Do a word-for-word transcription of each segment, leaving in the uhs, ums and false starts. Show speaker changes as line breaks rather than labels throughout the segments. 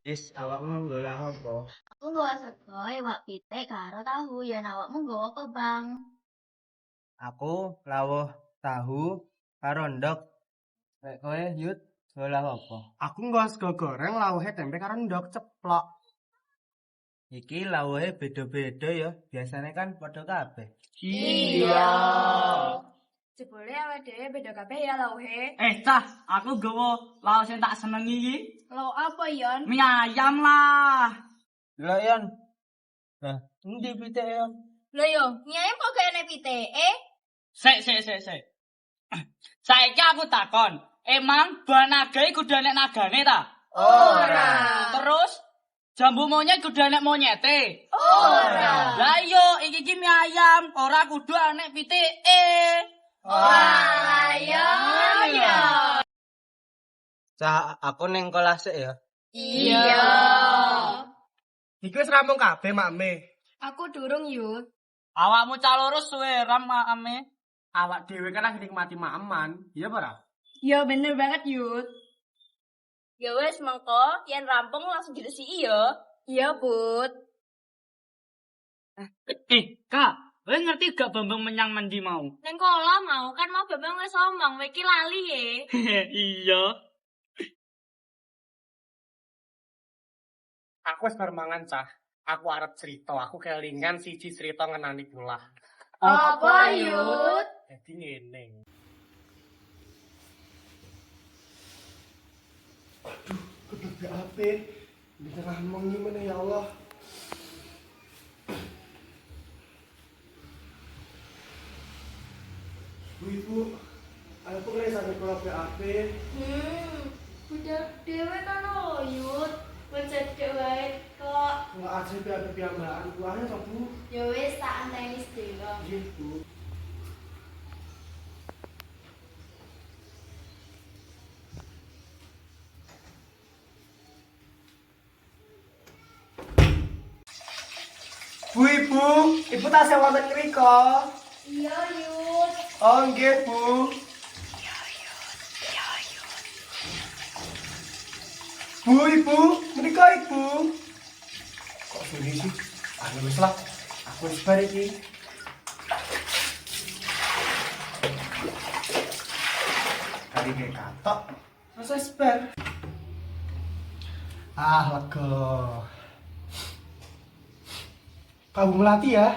Wis awakmu golek apa?
Aku nggawa sego, iwak pitik karo tahu. Ya awakmu nggawa apa, Bang?
Aku lawuh tahu karo ndok. Lek kowe Yud golek apa?
Aku nggawa sego goreng lawuhe tempe karo ndok ceplok.
Iki lawuhe beda-beda ya. Biasane kan padha kabeh.
Iya.
Jebule awake dhewe beda kabeh ya lawuhe.
Eh, cah, aku gawa laos sing tak senengi iki.
Lauk apa, Yon?
Mie ayam lah.
Lho Yon. Nah, endi pitike Yon?
Lho yo, mie ayam kok gak enek pitike?
Sik, sik, sik, sik. Saiki aku takon, emang buah naga iku kudu enek nagane ta?
Ora.
Terus jambu monyet kudu enek monyete?
Ora.
Lah iya, iki iki mie ayam, ora kudu enek pitike.
Wah, ya ya.
Cah, aku ning kelas sik ya.
Iya.
Iki wis rampung kabeh, Makme.
Aku durung yut.
Awakmu caloro suwe ram ame.
Awak dhewe kan lagi nikmati maaman, iya apa ora?
Ya bener banget yut. Ya wes mengko, yen rampung langsung diresiki ya. Iya, Bud.
Eh, Kak, kowe ngerti gak Bambang menyang mendi mau?
Neng kolam mau kan mau Bambang wis omong, iki lali ye.
Iya.
Aku wis bar mangan, Cah. Aku arep cerita, aku kelingan siji cerita ngenani pula.
Apa yut?
Jadi ngene. Aduh, kudu B A P. Di tengah mengi mana ya Allah. Bu Ibu, aku mulai sampai kalau B A P.
Hmm, udah dewe kan lo yut. Mencet wae kok.
Nggak ada B A P piambaan. Buahnya toh Bu.
Ya wis tak anteni sedelo.
Iya Bu. Bu Ibu, Ibu tasih wonten mriko.
Iya yut.
Oh nggih Bu. Bu Ibu, mriko Ibu. Kok sunyi sih? Ah wis lah. Aku wis bar iki. Kali ke katok. Terus wis bar. Ah lega. Kamu melatih ya?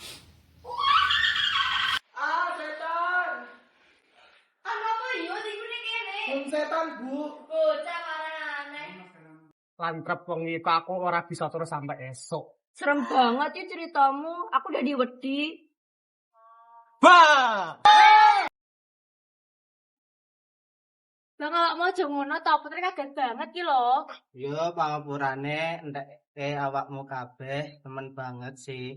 Ah, setan!
Ana apa yut iku ning kene?
Bung setan, Bu.
Bocah marang aneh.
Lantrep wong iku aku ora bisa terus sampai esok.
Serem banget ya ceritamu. Aku udah diwedi.
Bah!
Bang awak mau aja ngono ta, putre kaget banget ki lho.
Yo pangapurane entek eh awakmu kabeh temen banget sih.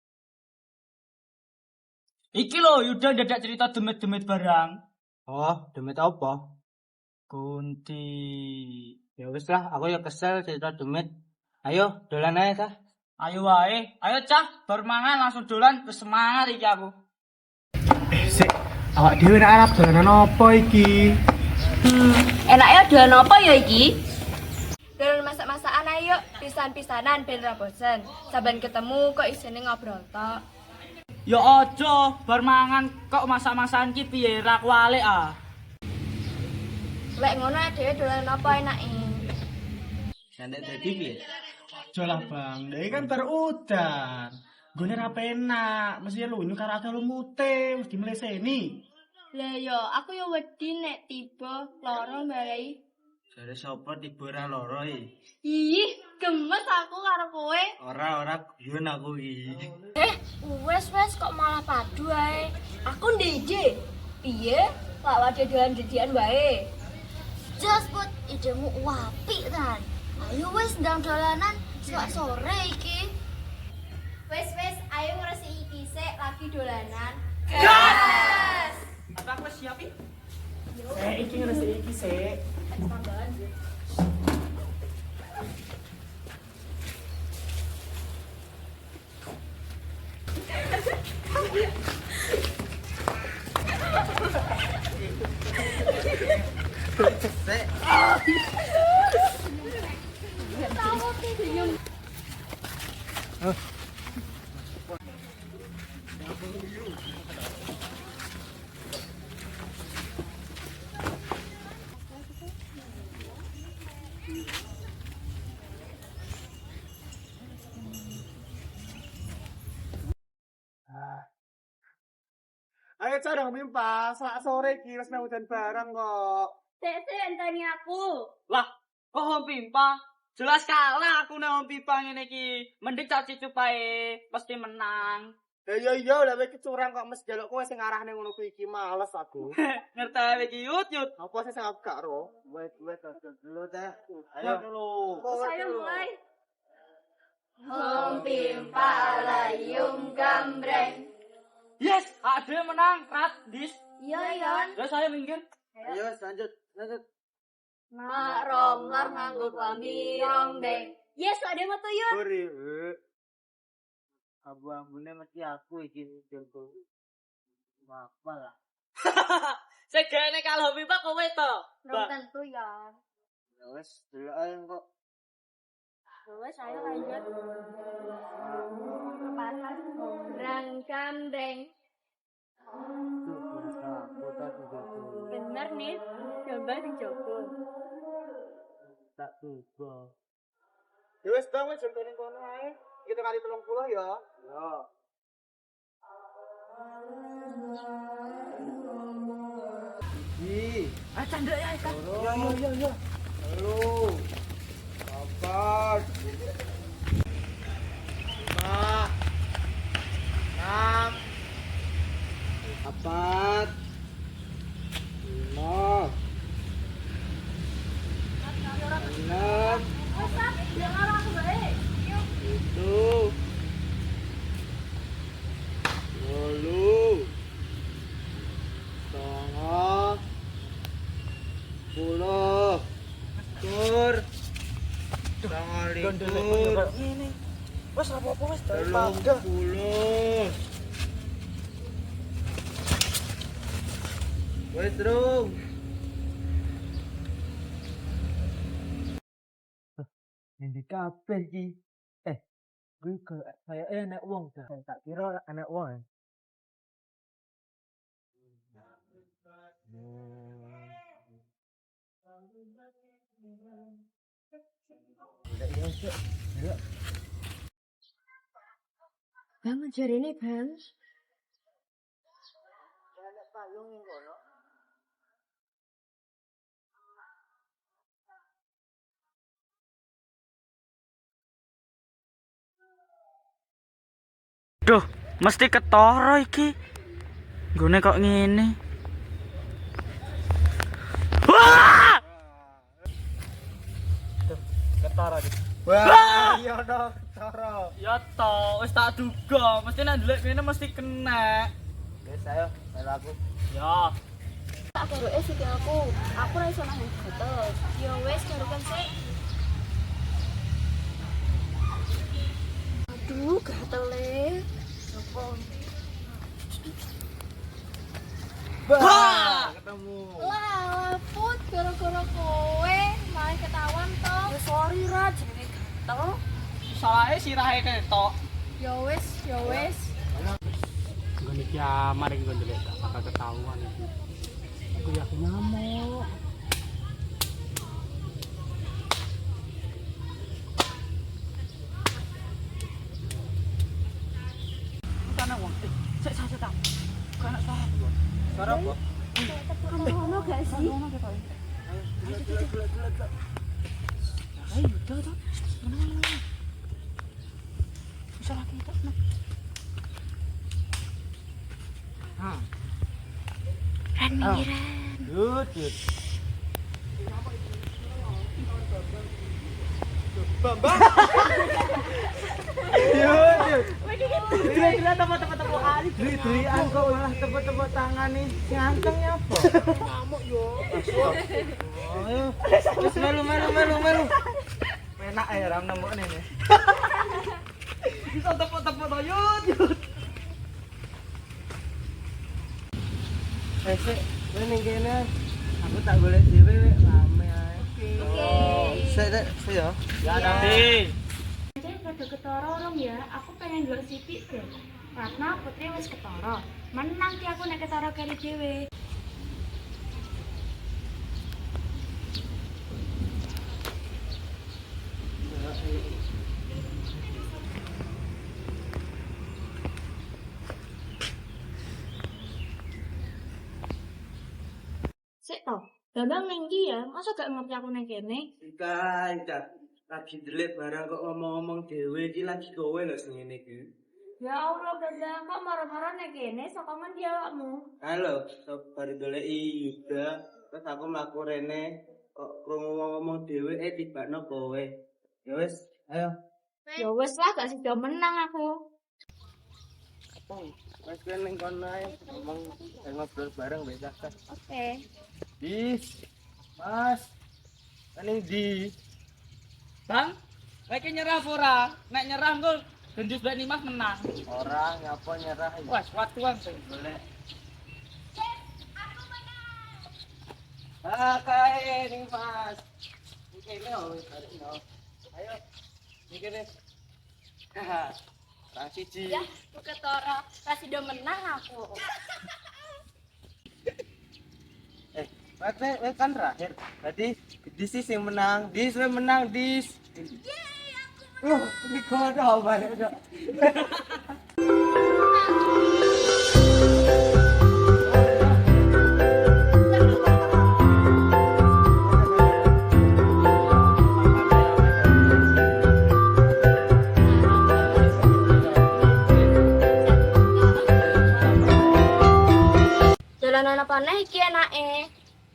Iki lho Yuda dadak cerita demit-demit barang.
Oh, demit apa?
Kunti.
Ya wis lah, aku ya kesel cerita demit. Ayo, dolan ae ta.
Ayo wae, ayo cah, bar mangan langsung dolan, wis semangat iki aku.
Eh, sik. Awak dhewe nek arep dolanan apa iki?
Hmm, enaknya dolan apa ya iki? Dolan masak-masakan ayo, pisan-pisanan ben ra bosen. Saben ketemu kok isine ngobrol tok.
Ya aja, bar mangan kok masak-masakan ki piye ra kualik ah.
Lek ngono dhewe dolan apa enake?
Sandek dadi piye?
Aja lah, Bang. Dhewe kan baru udan. Gone ra penak, mesti lunyu karo akeh lumute, mesti mleseni.
Lah yo, aku yo wedi nek tiba lara mbalai.
Jare sapa tiba ora loro iki?
Ih, gemes aku karo kowe.
Ora ora guyon aku iki.
Eh, wes wes kok malah padu ae. Aku ndije. Piye? Lak wade dolan didian wae.
Jos put idemu apik kan. Ayo wis ndang dolanan sok sore iki.
Wes wes, ayo ngresiki iki sik lagi dolanan.
Gas! Apa aku wis siap iki?
Eh, iki ngresiki iki sik.
Tambahan yo.
Sik.
Tahu
Ayo cara mimpa, selak sore iki wis mau udan barang kok.
Sik sik enteni aku.
Lah, kok Om Pimpa? Jelas kalah aku nek Om Pimpa ngene iki. Mending caci cupae pasti menang.
Ya iya iya lah kowe kecurang kok mesti jaluk kowe sing arahne ngono kuwi iki males aku.
Ngerti wae iki yut yut.
Apa sih sing aku gak ro?
Wait, wait, dulu teh.
Ayo dulu.
Saya mulai. Om Pimpa layung gambreng.
Yes, ada menang. Rat, dis.
Iya, Yon.
Terus saya minggir.
Ayo lanjut, lanjut.
Mak romlar nganggo klambi rongdeng. Yes, ada metu Yon.
Buri. Abu-abune mesti aku iki jago. Apa lah.
Segene kalau Pimpa kowe to.
Belum tentu, Yon.
Ya wes, dulu ae kok.
Terus saya lanjut. Kepasan rang gambreng.
Kota juga tuh.
Bener nih, coba dicoba.
Tak tuh.
Ya wis dong wis jentone kono ae. Kita kali telung puluh ya.
Yo. Ih,
Ah, candra ya, Kak.
yo yo yo yo.
Halo. Kapan? Lima. Enam. Empat. Lima. Enam. Tujuh. Lalu. Setengah. Sepuluh. Tur. Setengah likur.
Ini. Wes apa-apa wes
Telung puluh. Wes dong.
Ini kabeh iki. Eh, kuwi kayak enak wong dah. Tak kira anak wong.
Bang, ngejar ini, Bang.
Duh, mesti ketara iki. Gone kok ngene. Wah!
Ketara iki.
Wah, iya dong, Toro.
Ya to, wis tak duga, mesti nek ndelik ngene mesti kena.
Wes ayo, melu aku.
Ya.
Tak garuke sik aku. Aku ora iso nang gatel. Ya wis garukan sik. Aduh, gatele. Sopo?
Wah!
Ketemu.
Lah, put gara-gara kowe malah ketahuan to. Ya sorry ra, jenenge gatel.
Salahe sirahe ketok.
Ya wis, ya wis.
Ngene iki amar iki kon ndelek gak bakal ketahuan iki. Aku yakin nyamuk.
Kana wong. Sik sik sik. Kana suara.
Suara apa?
Ono gak sih?
Ayo, udah, udah. Mana-mana. Bisa lagi itu.
Hah.
Ran minggiran.
Yut, yut.
Bambang.
Yut, yut.
Gila-gila tepuk-tepuk kali.
Dri-drian kok malah tepuk-tepuk tangan nih. Sing antengnya apa?
Ngamuk yo.
Ayo. Wis melu melu melu melu. Enak ya ram nemokne nih.
Bisa tepuk-tepuk to yut yut.
Eh, sik, kowe ning kene. Aku tak golek dhewe rame ae.
Oke.
Sik, sik, sik ya.
Ya nanti.
rada ketara rong ya. Aku pengen ndelok sithik deh. Ratna Putri wis ketara. Menang ki aku nek ketara kali dhewe. Sik to, Bambang ning ndi ya? Masa gak ngerti aku ning kene?
Ika, Ika, lagi delik barang kok ngomong-ngomong dewe iki lagi kowe lho sing ngene iki.
Ya Allah, Bambang kok marah-marah ning kene saka ngendi awakmu?
Halo, sabar doleki Yuda, terus aku mlaku rene kok krungu ngomong dewe eh tibakno kowe. Ya wis, ayo.
Ya wis lah, gak sida menang aku.
Wes kowe ning kono ae ngomong eh, ngobrol bareng wis Kak.
Oke.
Dis. Mas. Ane di.
Bang, lagi nyerah apa ora? Nek nyerah engko gendus bae Mas menang.
Ora nyapa nyerah iki.
Wes, watuan sing
Golek. Ah, kae ning Mas. Iki lho, tarik no. Ayo. Iki deh. Haha. Rang siji.
Ya, aku ketara. Ra sida menang aku.
Eh, Mate, eh, kan terakhir. Berarti Dis sih yang menang. Dis we menang, Dis. Yeay, aku menang. Uh, ini kode balik dok.
Dolanan apa nih iki enake?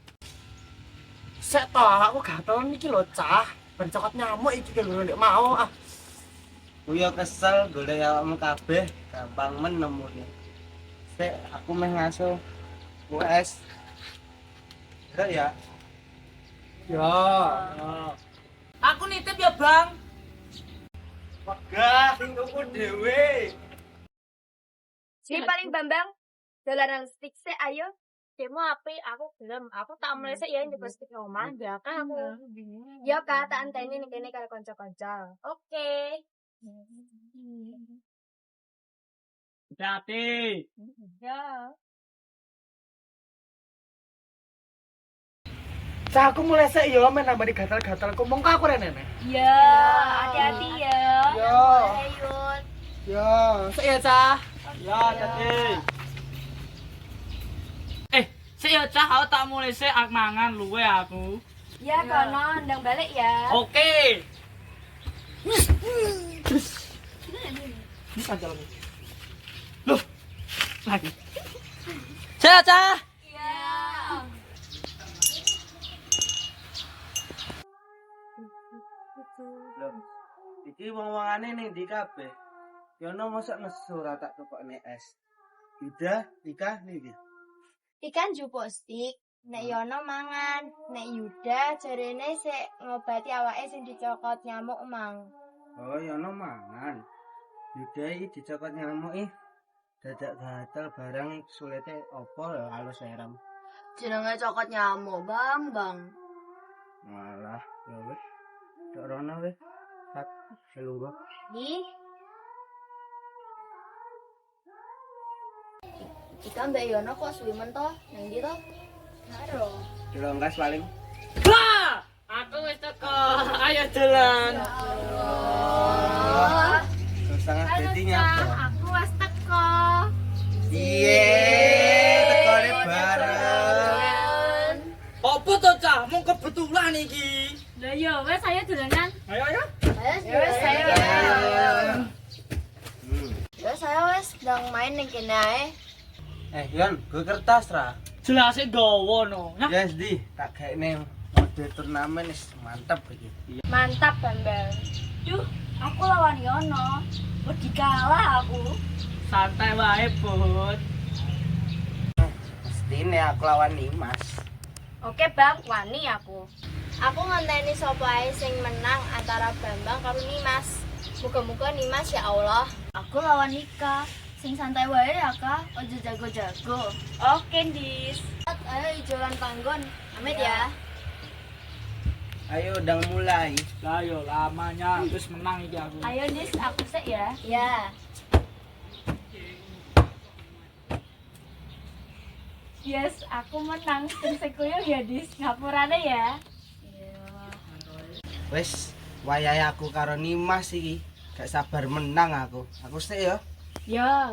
Sek to, aku gatel iki lho, Cah. Ben cokot nyamuk iki lho nek mau ah.
Kuyo kesel golek awakmu kabeh, gampang men nemune. Sik, aku meh ngaso U S. Ya ya.
Ya.
Aku nitip ya, Bang.
Wegah sing tuku dhewe.
Si paling Bambang dolanan stick sik ayo. Demo api aku gelem. Aku tak mlesek ya nyoba stick omah, belakang aku. Ya Kak, tak anteni ning kene karo kanca-kanca. Oke.
Hati.
Ya.
Cah aku mulai sik yo men nambah gatal-gatal ngomong ka aku rene.
Ya, hati-hati ya.
Ya.
Ayo.
Ya, sik ya, Cah.
Ya, tadi.
Eh, sik ya Cah, aku tak mulai sik ak mangan luwe aku.
Ya kono ndang balik ya.
Oke.
Ini aja lagi.
Loh. Lagi. Cah, Cah.
Ya.
Loh, iki wong-wongane ning ndi kabeh? Yono mosok nesu ora tak tukokne es. Yuda, Ika niki.
Ikan jupuk stick, nek Yono mangan, nek Yuda jarene sik ngobati awake sing dicokot nyamuk mang.
Oh, Yono mangan. Yuda iki dicokot nyamuk ih. Dadak gatel barang sulite opo lho halus seram.
Jenenge cokot nyamuk, Bang, Bang.
Malah, ya wis. Tok rono wis. Tak selungguh.
Ih,
Ikan mbak Yono kok suwi men toh? Nang ndi toh?
karo.
Dilonggas paling.
Lah, aku wis teko. Ayo jalan.
Oh.
Setengah dadi nyapa.
Aku wis teko.
Iye, tekone bareng.
Apa to, Cah? Mung kebetulan iki.
Lah ya wis saya dolanan.
Ayo, ayo.
Ya wis saya.
Hmm.
Ya saya wes sedang main ning kene ae.
Eh, Yon, gue kertas ra.
Jelase gawa no. Nah,
Ya, di, tak kayaknya mode turnamen wis mantep iki.
Mantap Bambang. Duh, aku lawan Yono. Wedi kalah aku.
santai wae, Bud.
Mestine aku lawan Nimas.
Oke Bang, wani aku.
Aku ngenteni sapa ae sing menang antara Bambang karo Nimas. Muga-muga Nimas ya Allah.
Aku lawan Nika. Sing santai wae ya Kak, ojo jago-jago. Oke, Dis.
Ayo ijolan panggon. Amit ya.
Ayo udah mulai.
Lah yo lamanya terus menang iki aku.
Ayo Dis, aku sik ya.
Ya.
Yes, aku menang. Sing sekuyo ya Dis, ngapurane ya.
Wes, wayahe aku karo Nimas iki. Gak sabar menang aku. Aku sik ya.
Ya.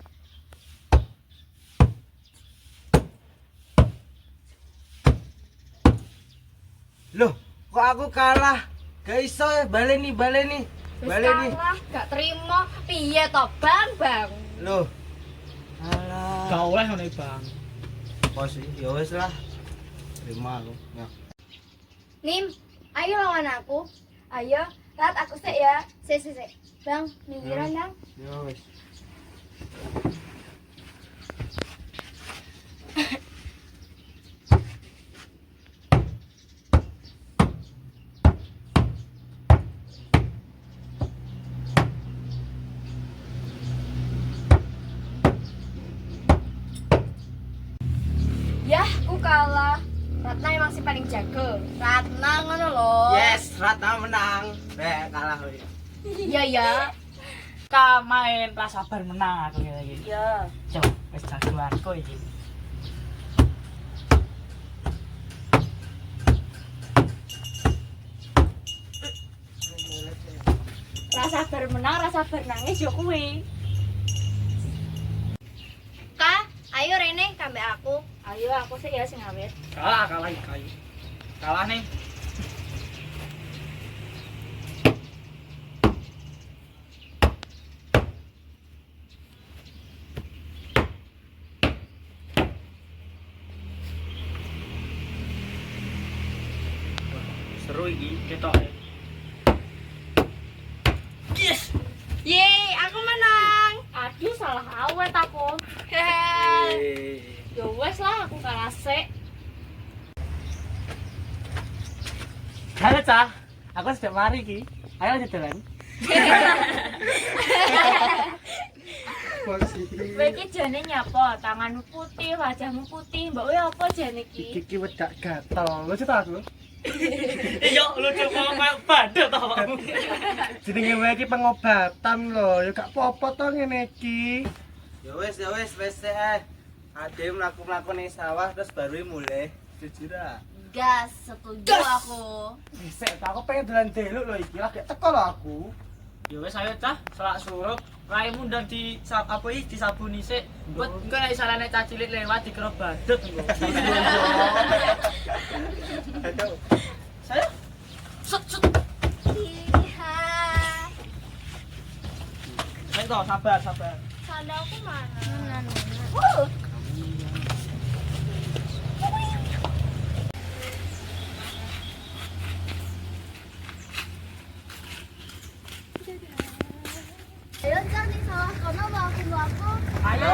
Loh, kok aku kalah? Gak iso ya, baleni, baleni.
Wis
Baleni.
kalah, gak terima. Piye to, Bang, Bang?
Loh. Alah.
Gak oleh ngono Bang.
Apa sih? Ya wes lah. Terima aku. Ya.
Nim, ayo lawan aku.
Ayo, Rat aku sik ya.
Sik sik sik. Bang, minggiran Bang.
Ya wes.
Yah, aku kalah. Ratna emang si paling jago.
Ratna ngono lho.
Yes, Ratna menang. Eh, kalah weh.
Iya ya.
Ka main ra sabar menang aku iki.
Ya.
Cok, wis jago aku iki.
Rasa bermenang, rasa bernangis yo kuwi.
Kak, ayo Rene kambe aku.
Ayo aku sih ya sing awet.
Kalah kalah iki kayu. Kalah nih.
Seru iki.
Ketok. Yes.
Yeay, aku menang.
Aduh salah awet aku.
Eh.
Ya wes lah aku kalah sik.
Halo Cah, aku sudah mari ki. Ayo lanjut jalan.
Kowe iki jane nyapa? Tanganmu putih, wajahmu putih. Mbok kowe apa jane iki?
Iki wedak gatel. Lucu ta aku?
Iya, lucu kok kayak badut to awakmu.
Jenenge wae iki pengobatan lho. Ya gak apa-apa to ngene iki.
Ya wes, ya wes, wes eh. Ade mlaku-mlaku ning sawah terus baru mulai. Jujur ah.
Gas, setuju aku.
Sik, aku pengen dolan delok lho iki. Lagi teko lho aku.
Ya wis ayo cah, selak surup. Raimu ndang di sap apa iki disabuni sik. Buat engko nek salahne cah cilik lewat dikira badut engko.
Aduh.
Saya sut sut.
Iya.
Ayo toh, sabar sabar.
Sandalku mana?
Uh,
Ayo cari sawah kono mau aku mau aku.
Ayo.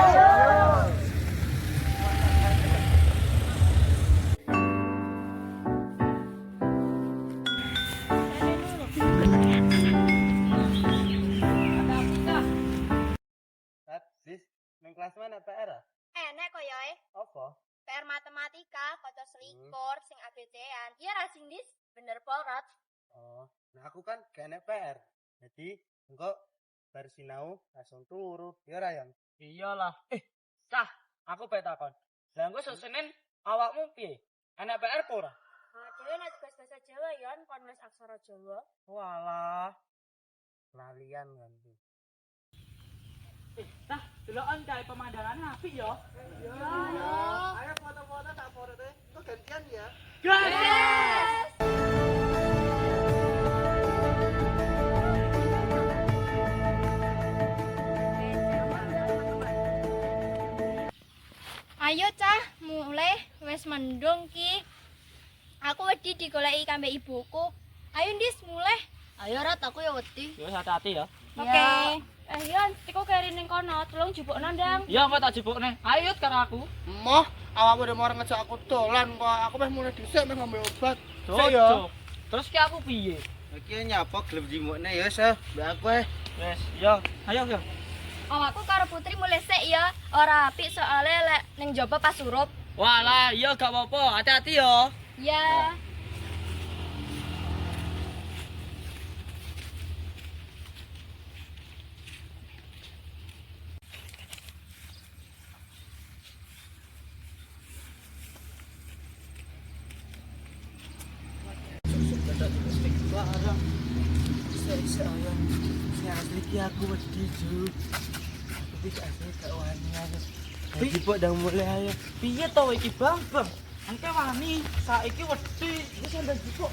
Rat, sis, ning kelas mana P R? ah?
Enek kok ya eh.
Apa?
P R matematika kaca selikur sing A B C-an. Iya ra sing dis, bener porat.
Oh, nah aku kan gak enek P R. Jadi, engko bar sinau langsung turu. Ya ra yang.
Iyalah. Eh, cah, aku pengen takon. Lah engko sok Senin awakmu piye? Enak P R apa ora?
Ah, dhewe nek tugas bahasa Jawa ya kon nulis aksara Jawa.
Walah. Lalian kan.
Eh, tah, delokan kae pemandangan apik ya.
Ayo foto-foto tak foto deh. Itu gantian ya.
Gas!
Ayo cah, mulai wes mendung ki. Aku wedi digoleki kambe ibuku. Ayo dis mulai. Ayo Rat, aku ya wedi.
Ya wis hati-hati ya.
Oke. Eh Yon, iku keri ning kono, tolong jupukno ndang.
Ya engko tak jebukne. Ayo karo aku.
Moh, awakmu udah mau ngejak aku dolan kok. Aku meh mulai dhisik meh ngambil obat.
Cuk,
Sik ya.
cuk. Terus ki aku piye?
Iki nyapa gelem jimukne ya, Sah. Mbak aku eh.
Wes, ya. Ayo, ya.
Awakku karo Putri mulai sik ya. Ora apik soalnya lek ning jaba pas surup.
Walah, iya gak apa-apa. Hati-hati ya.
Ya.
Sayang, si asli ki aku wedi Ju. Aku tidak asli gak wani ayo. Iki pok udah mulai ayo.
Piye to iki Bang? Bang, engke wani, saiki wedi. Iki sandal jiko.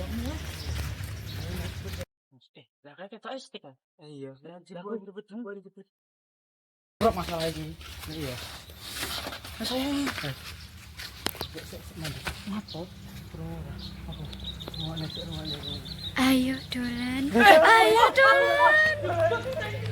Eh, lah kayak ketok stick kan.
Iya,
Lah
jebol
jebol jebol jebol.
Bro masalah iki.
iya.
Mas sayang.
Apa? Bro, apa? Mau nek rumah nek.
Ayo dolan. Ayo dolan.